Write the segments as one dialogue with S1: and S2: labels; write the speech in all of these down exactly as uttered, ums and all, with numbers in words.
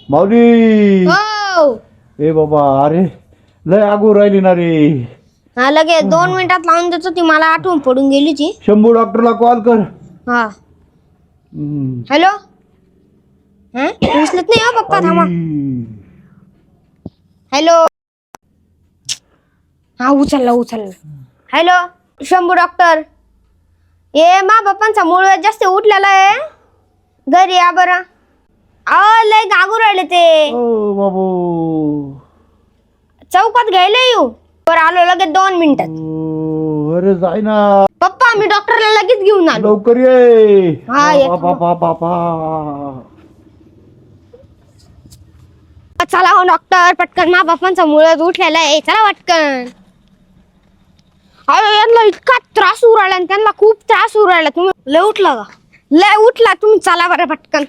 S1: माऊली
S2: हो
S1: ए बाबा अरे लय आगू राहिली ना रे.
S2: हा लगेच दोन मिनिटात लावून देतो ती मला आठवण पडून गेली ती.
S1: शंभू डॉक्टरला कॉल कर.
S2: हा
S1: हम्म.
S2: हॅलो हा उचलत नाही हो पप्पा थांबा.
S1: आई.
S2: हॅलो हा उचलला उचलला. हॅलो शंभू डॉक्टर ये मा बाप्पांचा मूळ व्याज जास्त उठलेला आहे घरी या बरं. अहो लय गागू राहिले ते
S1: ओ बाबू
S2: चौकात घ्यायला येऊ बरं आलो लगेच दोन मिनिटात.
S1: ओ, अरे जाय ना
S2: पप्पा मी डॉक्टरला लगेच घेऊन आलो.
S1: लवकर ये.
S2: हा, येतो.
S1: बाबा बाबा
S2: चला हो डॉक्टर पटकन मा बापांचा मुळात उठलेला आहे चला पटकन. अरे यांना इतका त्रास होऊ राहिला आणि त्यांना खूप त्रास होऊ राहिला. तुम्ही लय उठला का लय उठला तुम्ही चला बरं पटकन.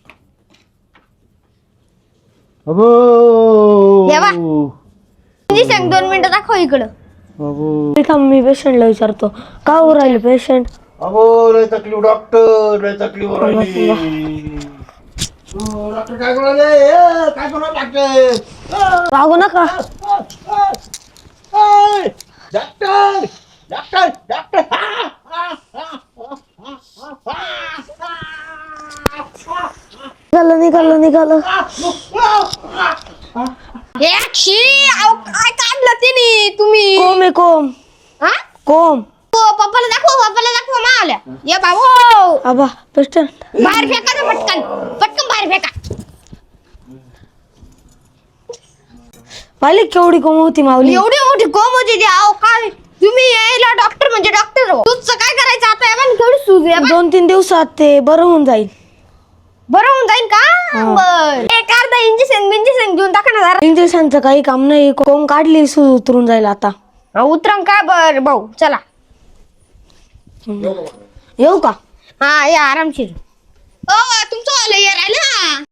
S1: अबो
S2: ये बा. सांग दोन मिनिटं दाखव इकडं.
S1: बाबू
S3: मी पेशंटला विचारतो का हो राहिले पेशंट.
S1: अबो लय तकलीफ डॉक्टर लय तकलीफ राहिली. ओ, डॉक्टर काय करू राहिले? ए, काय करू राहिले डॉक्टर?
S3: लागू नका.
S1: ए, डॉक्टर डॉक्टर डॉक्टर हा, हा, हा, हा, हा, हा.
S3: निघालं निघालं निघालं.
S2: हे शी अहो काय काढलं तिने तुम्ही.
S3: कोम आहे कोम
S2: हा
S3: कोम.
S2: हो पप्पाला दाखव पप्पाला दाखव मा आल्या. ये बाबू
S3: आबा पेशंट
S2: बाहेर फेका ना पटकन पटकन बाहेर फेका.
S3: पाहिली केवढी कोम होती माऊली.
S2: एवढी मोठी कोम होती ती. अहो काय तुम्ही यायला डॉक्टर म्हणजे डॉक्टर हो. तुझं काय करायचं आता या पण केवढी सूज आहे.
S3: दोन तीन दिवसात ते बरं होऊन जाईल.
S2: बरं होऊन जाईल का बर एक अर्धा इंजेक्शन बिंजेक्शन घेऊन टाका ना जरा.
S3: इंजेक्शनचं काही काम नाही. कोम काढली सूज उतरून जाईल आता.
S2: उतरंग का बर भाऊ चला.
S3: येऊ का.
S2: हा या आरामशीर. ओ तुमचं आलं या राहिलं.